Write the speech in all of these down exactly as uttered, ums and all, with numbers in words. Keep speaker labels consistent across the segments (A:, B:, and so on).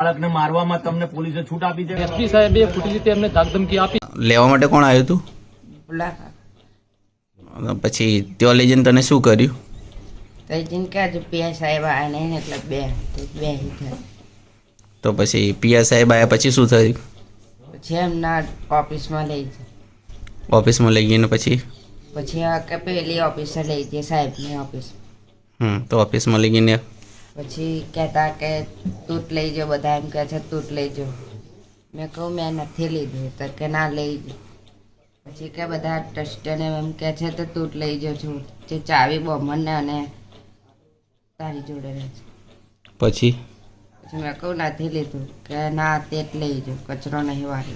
A: બાળકને મારવામાં તમને પોલીસે છૂટ આપી છે?
B: એસપી સાહેબે ખોટી રીતે એમને ધાકધમકી આપી.
C: લેવા માટે કોણ આવ્યું હતું? પછી ત્યાં લઈ જઈને તને શું કર્યું?
D: તો જીનકા જ પીઆઈ સાહેબ આવ્યા નહીં એટલે બે બે
C: તો પછી પીઆઈ સાહેબ આવ્યા પછી શું થયું?
D: પછી એમના ઓફિસમાં લઈ જાય.
C: ઓફિસમાં લઈ ગઈને પછી
D: પછી આ કે પેલી ઓફિસે લઈ જઈએ સાહેબની ઓફિસ.
C: હમ તો ઓફિસમાં લઈ ગઈને
D: પછી કહેતા કે તૂટ લઈ જાઓ, બધા એમ કહે છે તૂટ લઈ જાઓ. મેં કહું મેં નથી લીધું તો કે ના લઈ જાઓ. પછી કે બધા ટ્રસ્ટને એમ કહે છે તો તૂટ લઈ જાઓ છું, જે ચાવી બમણને અને તારી જોડે રહે છે.
C: પછી
D: પછી મેં કહું નથી લીધું કે ના તે જ લઈ જાઓ, કચરો નહીં વાળ્યો.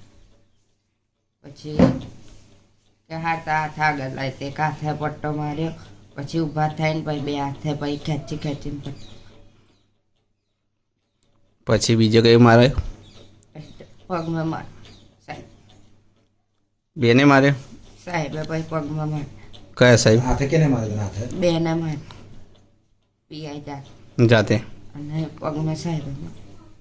D: પછી કે હાથ હાથ આગળ લાવી તે હાથે પટ્ટો માર્યો. પછી ઊભા થઈને પછી બે હાથે પછી ખેંચી ખેંચીને પટ્ટો.
C: પછી બીજો કઈ મારે?
D: પગમાં માર સાહેબ
C: બેને મારે?
D: સાહેબે પછી પગમાં માર.
C: કયા સાહેબ?
E: હાથે કેને મારે? હાથે
D: બેને માર પીઆઈ જાત
C: જાતે?
D: અને પગમાં સાહેબે માર.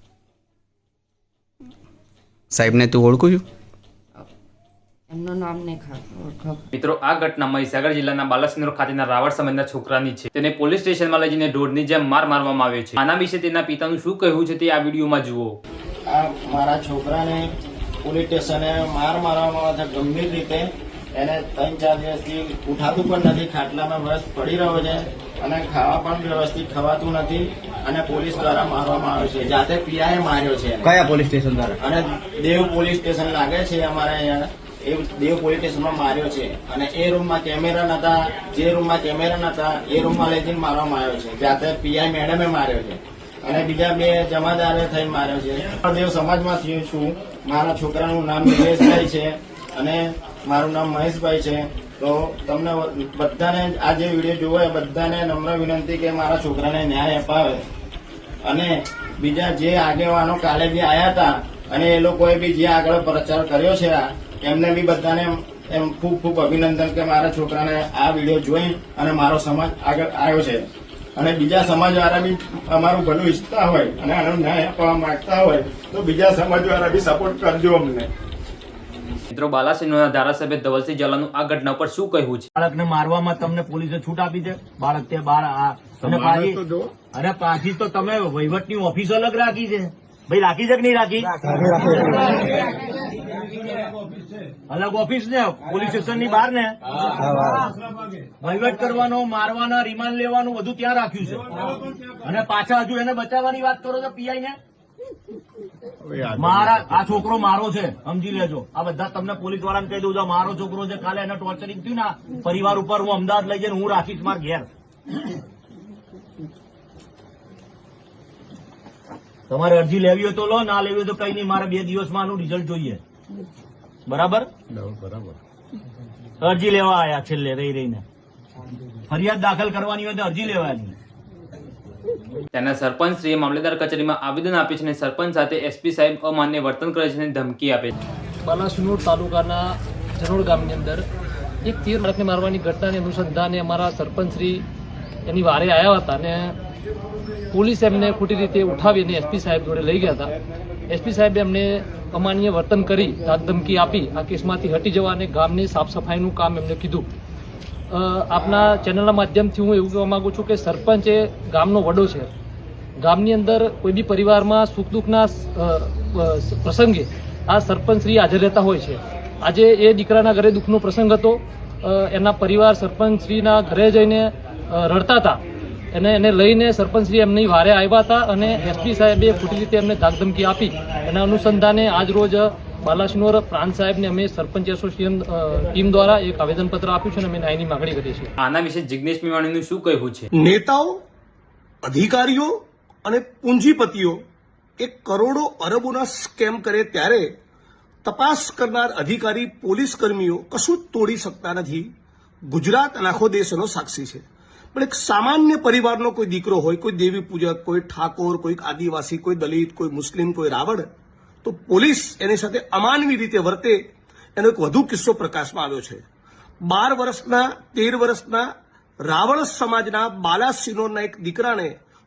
C: સાહેબને તું ઓળખું છું?
D: એમનું નામ નહીં ખાતું ઓળખો.
F: મિત્રો, આ ઘટના મહીસાગર જિલ્લાના બાલાસિનોર ખાતેના રાવળ સમાજના છોકરાની છે. તેને પોલીસ સ્ટેશનમાં લઈ જઈને ઢોરની જેમ માર મારવામાં આવ્યો છે. આના વિશે તેના પિતાનું શું કહેવું છે તે આ વિડીયોમાં જુઓ.
G: આ મારા છોકરાને પોલીસ સ્ટેશને માર મારવામાં આવે છે ગંભીર રીતે. એને ત્રણ ચાર દિવસથી ઉઠાતું પણ નથી, ખાટલામાં બસ પડી રહ્યો છે અને ખાવા પણ વ્યવસ્થિત ખવાતું નથી અને પોલીસ દ્વારા મારવામાં આવ્યો છે. જાતે પીઆઈએ માર્યો છે.
E: કયા પોલીસ સ્ટેશન દ્વારા?
G: અને દેવ પોલીસ સ્ટેશન લાગે છે અમારે અહીંયા. એ દેવ પોલીસ સ્ટેશનમાં માર્યો છે અને એ રૂમમાં કેમેરા નતા, જે રૂમમાં કેમેરા નતા એ રૂમમાં લઈ જઈને મારવામાં આવ્યો છે. જાતે પીઆઈ મેડમે માર્યો છે અને બીજા બે જમાદારે થઈને માર્યો છે. દેવ સમાજમાંથી છું. મારા છોકરાનું નામ નિલેશભાઈ છે અને મારું નામ મહેશભાઈ છે. તો તમને બધાને આ જે વિડીયો જોવો એ બધાને નમ્ર વિનંતી કે મારા છોકરાને ન્યાય અપાવે. અને બીજા જે આગેવાનો કાલે બી આવ્યા હતા અને એ લોકોએ બી જે આગળ પ્રચાર કર્યો છે એમને બી બધાને એમ ખૂબ ખૂબ અભિનંદન કે મારા છોકરાને આ વિડીયો જોઈ અને મારો સમાજ આગળ આવ્યો છે. અને બીજા સમાજવાળા બી અમારું ભલું ઈચ્છતા હોય અને આનો ન્યાય આપવા માંગતા હોય તો બીજા સમાજવાળા બી સપોર્ટ કરજો અમને.
F: મિત્રો, બાલાસિનોરના ધારાસભ્ય ધવલસિંહ ઝાલાનું આ ઘટના પર શું કહેવું છે?
A: બાળકને મારવામાં તમને પોલીસે છૂટ આપી છે? બાળક તે બાર આ અને પાછી અરે પાછી તો તમે વહીવટની ઓફિસ અલગ રાખી છે ભાઈ. રાખી છે કે નહીં રાખી? અલગ ઓફિસ ને પોલીસ સ્ટેશન ની બહાર ને વહીવટ કરવાનો, મારવાના, રિમાન્ડ લેવાનું બધું ત્યાં રાખ્યું છે. અને પાછા હજુ એને બચાવવાની વાત કરો છો પીઆઈ ને. મારા આ છોકરો મારો છે, સમજી લેજો. આ બધા તમને પોલીસ વાળાને કહી દઉં છું, મારો છોકરો છે. કાલે એને ટોર્ચરિંગ થયું ને પરિવાર ઉપર, હું અમદાવાદ લઈ જઈને હું રાખીશ મારા ઘેર. તમારે અરજી લેવી હોય તો લો, ના લેવી હોય તો કઈ નહીં. મારે બે દિવસમાં આનું રિઝલ્ટ જોઈએ. બરાબર બરાબર. અરજી લેવા આયા છેલ્લે રહી રહીને. ફરિયાદ દાખલ કરવાની હોય તો અરજી લેવાની.
F: તેના સરપંચશ્રીએ મામલેદાર કચેરીમાં આવેદન આપ્યું છે અને સરપંચ સાથે એસપી સાહેબ અમાન્ય વર્તન કરે છે અને ધમકી આપે છે.
B: બાલાસિનોર તાલુકાના જનોડ ગામની અંદર એક તેર બાળકને મારવાની ઘટનાને અનુસંધાને અમારા સરપંચશ્રી એની વારે આવ્યા હતા અને પોલીસ એમને ખોટી રીતે ઉઠાવીને એસપી સાહેબ જોડે લઈ ગયા હતા. એસપી સાહેબે એમને અમાન્ય વર્તન કરી ધમકી આપી આ કેસમાંથી હટી જવા અને ગામની સાફ સફાઈનું કામ એમને કીધું. આપના ચેનલના માધ્યમથી હું એવું કહેવા માગું છું કે સરપંચ એ ગામનો વડો છે. ગામની અંદર કોઈ બી પરિવારમાં સુખ દુઃખના પ્રસંગે આ સરપંચશ્રી હાજર રહેતા હોય છે. આજે એ દીકરાના ઘરે દુઃખનો પ્રસંગ હતો. એના પરિવાર સરપંચશ્રીના ઘરે જઈને રડતા હતા અને એને લઈને સરપંચશ્રી એમની વારે આવ્યા હતા અને એસપી સાહેબે ખોટી રીતે એમને ધાકધમકી આપી. એના અનુસંધાને આજ રોજ બાલાસિનોર પ્રાંત સાહેબને અમે સરપંચ એસોસિએશન ટીમ દ્વારા એક આવેદનપત્ર આપ્યું છે અને અમે ન્યાયની માગણી કરી છે.
F: આના વિશે જિગ્નેશ મેવાણીનું શું કહેવું છે?
H: નેતાઓ, અધિકારીઓ અને પૂંજીપતિઓ એક કરોડો અરબોના સ્કેમ કરે ત્યારે તપાસ કરનાર અધિકારી પોલીસ કર્મીઓ કશું જ તોડી શકતા નથી. ગુજરાત અને આખો દેશ એનો સાક્ષી છે. પણ એક સામાન્ય પરિવારનો કોઈ દીકરો હોય, કોઈ દેવી પૂજક, કોઈ ઠાકોર, કોઈ આદિવાસી, કોઈ દલિત, કોઈ મુસ્લિમ, કોઈ રાવણ, તો પોલીસ એની સાથે અમાનવી રીતે વર્તે એનો એક વધુ કિસ્સો પ્રકાશમાં આવ્યો છે. બાર વર્ષના તેર વર્ષના રાવળ સમાજના બાલાસિનોરના એક દીકરાને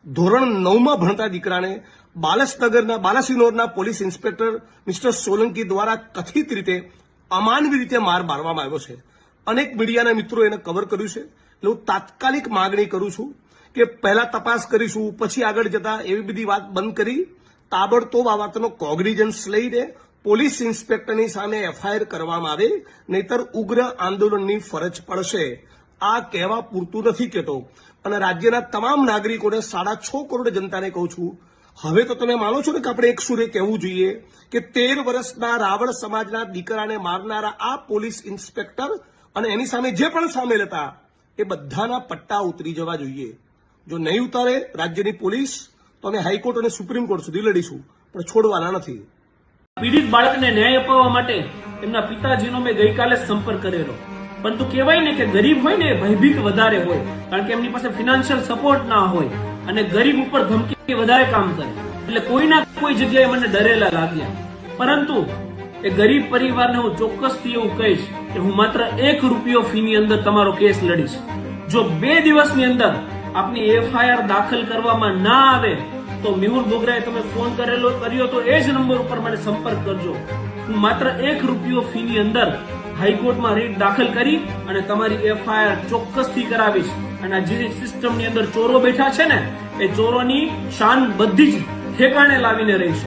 H: ધોરણ નવમાં ભણતા દીકરાને બાલસનગરના બાલાસિનોરના પોલીસ ઇન્સ્પેક્ટર મિસ્ટર સોલંકી દ્વારા કથિત રીતે અમાનવી રીતે માર મારવામાં આવ્યો છે. અનેક મીડિયાના મિત્રો એને કવર કર્યું છે. એટલે હું તાત્કાલિક માગણી કરું છું કે પહેલા તપાસ કરીશું, પછી આગળ જતા એવી બધી વાત બંધ કરી તાબડતોબ આ વાતનો કોગ્નિઝન્સ લઈને પોલીસ ઇન્સ્પેક્ટરની સામે એફઆઈઆર કરવામાં આવે, નહીતર ઉગ્ર આંદોલનની ફરજ પડશે. આ કહેવા પૂરતું નથી કહેતો. અને રાજ્યના તમામ નાગરિકોને સાડા છ કરોડ જનતાને કહું છું, હવે તો તમે માનો છો ને કે આપણે એક સુરે કહેવું જોઈએ કે તેર વર્ષના રાવળ સમાજના દીકરાને મારનારા આ પોલીસ ઇન્સ્પેક્ટર અને એની સામે જે પણ સામેલ હતા એ બધાના પટ્ટા ઉતરી જવા જોઈએ. જો નહીં ઉતારે રાજ્યની પોલીસ તો અમે હાઈકોર્ટ અને સુપ્રીમ કોર્ટ સુધી લડીશું, પણ છોડવાના નથી.
I: પીડિત બાળકને ન્યાય અપાવવા માટે એમના પિતાજીનો મેં ગઈકાલે સંપર્ક કરેલો, પરંતુ કહેવાય ને કે ગરીબ હોય ને ભયભીત વધારે હોય, કારણ કે એમની પાસે ફિનાન્શિયલ સપોર્ટ ના હોય અને ગરીબ ઉપર ધમકી વધારે કામ કરે, એટલે કોઈના કોઈ જગ્યાએ મને ડરેલા લાગ્યા. પરંતુ એ ગરીબ પરિવારને હું ચોક્કસથી એવું કહીશ કે હું માત્ર એક રૂપિયો ફીની અંદર તમારો કેસ લડીશ. જો બે દિવસની અંદર આપની એફઆઈઆર દાખલ કરવામાં ના આવે તો મેહુલ બોગરાએ તમે ફોન કરેલો કર્યો તો એ જ નંબર ઉપર મને સંપર્ક કરજો. હું માત્ર એક રૂપિયો ફીની અંદર હાઈકોર્ટમાં રીટ દાખલ કરી અને તમારી એફઆઈઆર ચોક્કસથી કરાવીશ. અને આ જે સિસ્ટમની અંદર ચોરો બેઠા છે ને એ ચોરોની શાન બધી જ ઠેકાણે લાવીને રહીશ.